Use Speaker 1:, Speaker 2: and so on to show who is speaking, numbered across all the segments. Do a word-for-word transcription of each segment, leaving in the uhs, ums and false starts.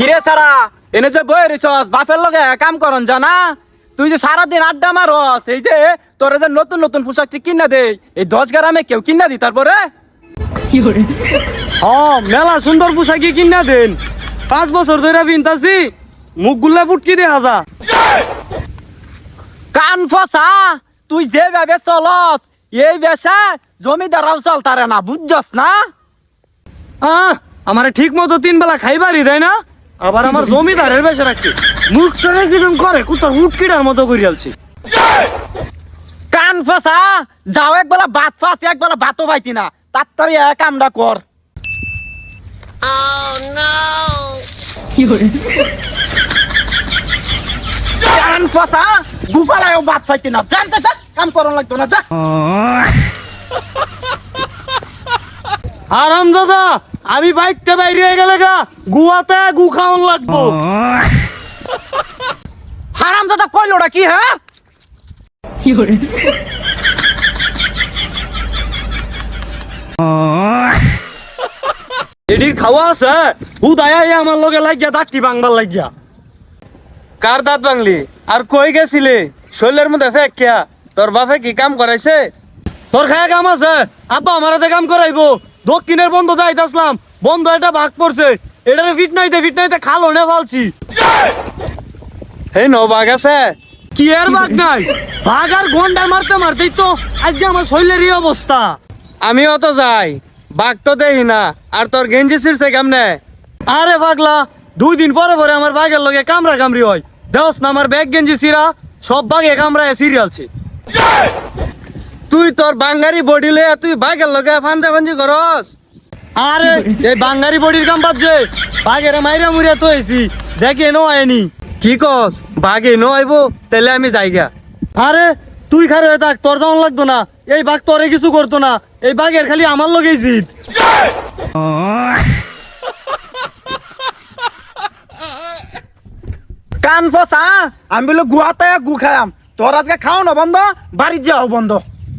Speaker 1: কিরে সারা এনে যে বই রিসস বাপের লগে কাম করন জানা তুই যে সারাদিন আড্ডা মারস এই যে তোর যে নতুন নতুন পোশাক কিনা দেই এই দশ গ্রামে কেউ কিনা দি তারপরে
Speaker 2: হ্যাঁ মেলা সুন্দর পোশাকি কিনা দেন পাঁচ বছর ধরে বিনতাছি মুখ গুলা ফুটকি দে হাজা
Speaker 1: কান ফসা তুই যে ভাবে চলস এই বেশা জমিদাররাও চলতারে না বুঝছস না
Speaker 2: আহ আমারে ঠিক মতো তিন বেলা খাইবারই দেয় না আবার আমার জমিদারের বেশে রাখছি মুখটা কিরম করে কুতার উটকিটার মতো করে আলছি
Speaker 1: কান ফসা যাও একবেলা ভাত ফাস একবেলা ভাতও পাইতি না তাড়াতাড়ি এক কামটা কর কান ফসা গুফালায়ও ভাত পাইতি না জানতে যা কাম করন লাগতো না যা
Speaker 2: আরাম দাদা আমি বাইকটা বাইরে গেলে গা গুয়াতে গু খাওয়ান লাগবো
Speaker 1: হারাম দাদা কইলোটা কি হ্যাঁ
Speaker 2: এডির খাওয়া আছে হুদ আয়া আমার লগে লাগিয়া দাঁতটি বাংবার লাগিয়া
Speaker 3: কার দাঁত বাংলি আর কই গেছিলে শৈলের মধ্যে ফেক কিয়া তোর বাপে কি কাম করাইছে
Speaker 2: তোর খায়া কাম আছে আব্বা আমার হাতে কাম করাইবো দক্ষিণের বন্ধ যাইতে আসলাম বন্ধ এটা ভাগ পড়ছে এটারে ফিট নাইতে ফিট নাইতে খালো নে ফালছি
Speaker 3: হে ন বাঘ আছে
Speaker 2: কি এর ভাগ নাই ভাগ আর ঘন্টা মারতে মারতেই তো আজকে আমার শরীরের অবস্থা
Speaker 3: আমিও তো যাই বাঘ তো দেখি না আর তোর গেঞ্জি ছিড়ছে কেমনে
Speaker 2: আরে পাগলা দুই দিন পরে পরে আমার বাঘের লগে কামড়া কামড়ি হয় দেওস না আমার ব্যাগ গেঞ্জি সিরা সব বাঘে কামড়ায় সিরিয়ালছে
Speaker 3: তুই তোর বাঙ্গারি বডি লইয়া তুই বাঘের লগে ফান্দা ফান্দি করস
Speaker 2: আরে এই বাঙ্গারি বডির কাম বাজছে বাঘের মাইরা মুড়িয়া তো হয়েছি দেখে নো আয়নি
Speaker 3: কি কস বাঘে ন আইব তাহলে আমি যাইগা
Speaker 2: আরে তুই খারে হয়ে থাক তোর যেমন লাগতো না এই বাঘ তোরে কিছু করতো না এই বাঘের খালি আমার লগেই জিত
Speaker 1: কান ফসা আমি বলে গুয়াতে গু খায়াম তোর আজকে খাও না বন্ধ বাড়ির যাও বন্ধ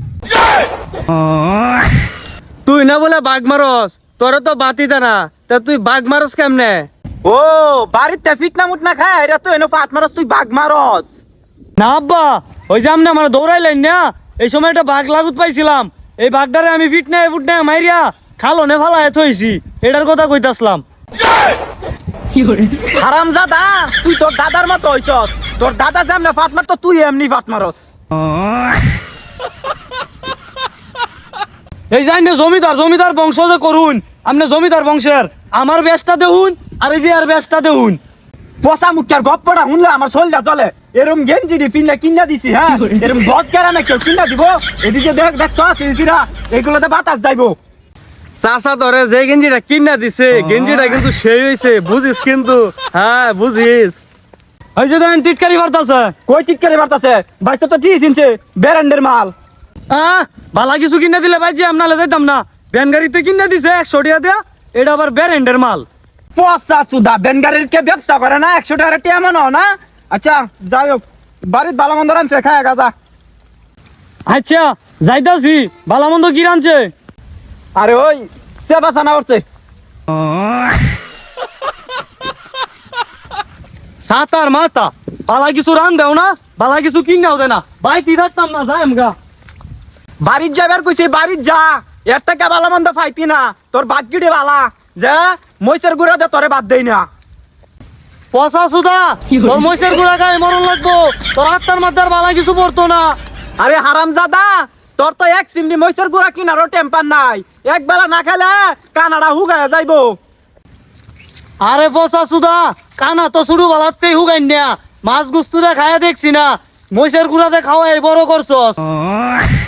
Speaker 3: তুই না বলে বাঘ মারস তোর তো বাতিতে না তা তুই বাঘ মারস কেমনে
Speaker 1: ও বাড়িতে ফিটনা মুটনা খায় এরা তো এনে ফাট মারস তুই বাঘ মারস
Speaker 2: না আব্বা ওই যে আপনি আমার দৌড়াইলেন না এই সময় একটা বাঘ লাগুত পাইছিলাম এই বাঘটারে আমি ফিট নাই ফুট নাই মাইরিয়া খালো নে ফালা এত হয়েছি এটার কথা কইতাসলাম
Speaker 1: হারাম দাদা তুই তোর দাদার মতো হইছস তোর দাদা যেমনে ফাট মারতো তুই এমনি ফাট মারস
Speaker 2: এই যাই না জমিদার জমিদার বংশ যে করুন আপনি জমিদার বংশের আমার বেশটা দেহুন আর এই যে আর বেশটা দেহুন
Speaker 1: পচা মুখার গপ্পটা শুনলে আমার শরীরটা চলে এরম গেঞ্জি ডি ফিনলে কিনা দিছি হ্যাঁ এরম গজ কেরামে কেউ কিনা দিব এদিকে দেখ দেখ সিরা এগুলোতে বাতাস যাইবো
Speaker 3: চাচা তোরে যে গেঞ্জিটা কিনা দিছে গেঞ্জিটা কিন্তু সেই হইছে বুঝিস কিন্তু হ্যাঁ বুঝিস
Speaker 2: ওই যে দেখেন টিটকারি বার্তাছে
Speaker 1: কই ঠিক করে বার্তাছে বাইসে তো ঠিক চিনছে ব্যারেন্ডের মাল
Speaker 2: হ্যাঁ ভালা কিছু কিনে দিলে ভাই যে আপনারা যাইতাম না ভ্যান গাড়িতে কিনে দিছে একশো টাকা দেয়া এটা আবার ব্যারেন্ডের মাল
Speaker 1: পচা চুদা বেনগাড়ির কে ব্যবসা করে না একশো টাকা টিয়া মানো না আচ্ছা যাই হোক বাড়ির ভালো মন্দ রানছে খায় গাজা
Speaker 2: আচ্ছা যাইতাছি ভালা মন্দ কি রানছে
Speaker 1: আরে ওই সেবা সানা করছে
Speaker 2: সাতার মাতা ভালা কিছু রান দেও না ভালা কিছু কিনাও দে না বাইতি থাকতাম না যাই আমগা
Speaker 1: বাড়ির যাবার কইছি বাড়ির যা এর থেকে ভালো মন্দ পাইতি না তোর বাগ্যিডে বালা যে মইসের গুড়া দে তোরে বাদ দেই না
Speaker 2: পচা সুদা তোর মহিষের গুড়া গায়ে মরণ লাগবো তোর আত্মার মাথার ভালা কিছু পড়তো না
Speaker 1: আরে হারাম জাদা তোর তো এক সিমনি মইসের গুড়া কিনারও টেম্পার নাই এক বেলা না খেলে কানাডা হুগায় যাইবো
Speaker 2: আরে পচা সুদা কানা তো শুরু বালাতেই হুগাইন না মাছ গুস্তুরে খায়া দেখছি না মহিষের গুড়াতে খাওয়াই বড় করছস